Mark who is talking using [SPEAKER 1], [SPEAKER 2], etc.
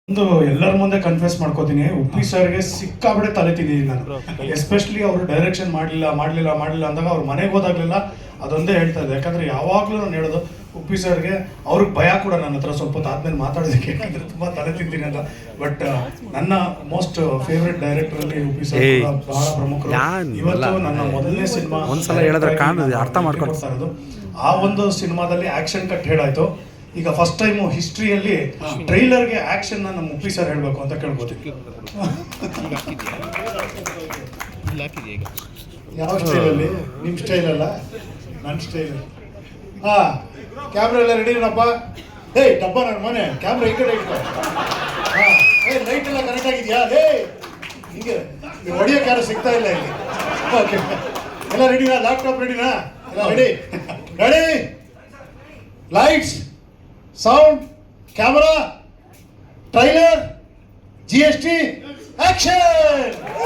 [SPEAKER 1] ಒಂದು ಎಲ್ಲರ ಮುಂದೆ ಕನ್ಫ್ಯೂಸ್ ಮಾಡ್ಕೋತೀನಿ, ಉಪ್ಪಿ ಸರ್ಗೆ ಸಿಕ್ಕಾಬಿಡೆ ತಲೆ ತಿಂದಿದ್ದೀನಿ ನಾನು. ಎಸ್ಪೆಷಲಿ ಅವರು ಡೈರೆಕ್ಷನ್ ಮಾಡಲಿಲ್ಲ ಅಂದಾಗ ಅವ್ರ ಮನೆಗೆ ಹೋದಾಗ್ಲೆಲ್ಲ ಅದೊಂದೇ ಹೇಳ್ತಾ ಇದೆ. ಯಾಕಂದ್ರೆ ಯಾವಾಗಲೂ ನಾನು ಹೇಳೋದು ಉಪ್ಪಿ ಸರ್ಗೆ, ಅವ್ರಿಗೆ ಭಯ ಕೂಡ ನನ್ನ ಹತ್ರ ಸ್ವಲ್ಪ ಹೊತ್ತು ಆದ್ಮೇಲೆ ಮಾತಾಡೋದಕ್ಕೆ, ಯಾಕಂದ್ರೆ ತುಂಬಾ ತಲೆ ತಿಂತೀನಿ ಅಂತ. ಬಟ್ ನನ್ನ ಮೋಸ್ಟ್ ಫೇವ್ರೆಟ್ ಡೈರೆಕ್ಟರ್ ಅಲ್ಲಿ ಉಪ್ಪಿ ಸರ್ ಬಹಳ ಪ್ರಮುಖರು. ಇವತ್ತು ನನ್ನ ಮೊದಲನೇ ಸಿನಿಮಾ
[SPEAKER 2] ಒಂದ್ಸಲ ಹೇಳಿದ್ರೆ ಅರ್ಥ ಮಾಡ್ಕೊಳ್ತಾ
[SPEAKER 1] ಇರೋದು. ಆ ಒಂದು ಸಿನಿಮಾದಲ್ಲಿ ಆಕ್ಷನ್ ಕಟ್ ಹೇಳಾಯ್ತು. ಈಗ ಫಸ್ಟ್ ಟೈಮು ಹಿಸ್ಟ್ರಿಯಲ್ಲಿ ಟ್ರೈಲರ್ಗೆ ಆಕ್ಷನ್ ನಮ್ಮ ಉಪ್ಪಿ ಸರ್ ಹೇಳ್ಬೇಕು ಅಂತ ಕೇಳ್ಬೋದು.
[SPEAKER 3] ಯಾವ ಸ್ಟೈಲಲ್ಲಿ? ನಿಮ್ಮ ಸ್ಟೈಲ್ ಅಲ್ಲ, ನನ್ನ ಸ್ಟೈಲ್. ಹಾ, ಕ್ಯಾಮ್ರಾ ಎಲ್ಲ ರೆಡಿ ಏನಪ್ಪ? ಏಯ್ ಡಬ್ಬ ನನ್ನ ಮನೆ, ಕ್ಯಾಮ್ರಾ ಈ ಕಡೆ ಇಟ್ಕೊ. ಹಾ, ಲೈಟ್ ಎಲ್ಲ ಕರೆಕ್ಟ್ ಆಗಿದೆಯಾ? ಹಿಂಗೆ ನೀವು ಹೊಡಿಯೋಕೆ ಯಾರು ಸಿಗ್ತಾ ಇಲ್ಲ ಇಲ್ಲಿ. ಓಕೆ, ಎಲ್ಲ ರೆಡಿನಾ? ಲ್ಯಾಪ್ಟಾಪ್ ರೆಡಿನಾ? ಎಲ್ಲ ready? Ready, lights, sound, camera, trailer, GST, action.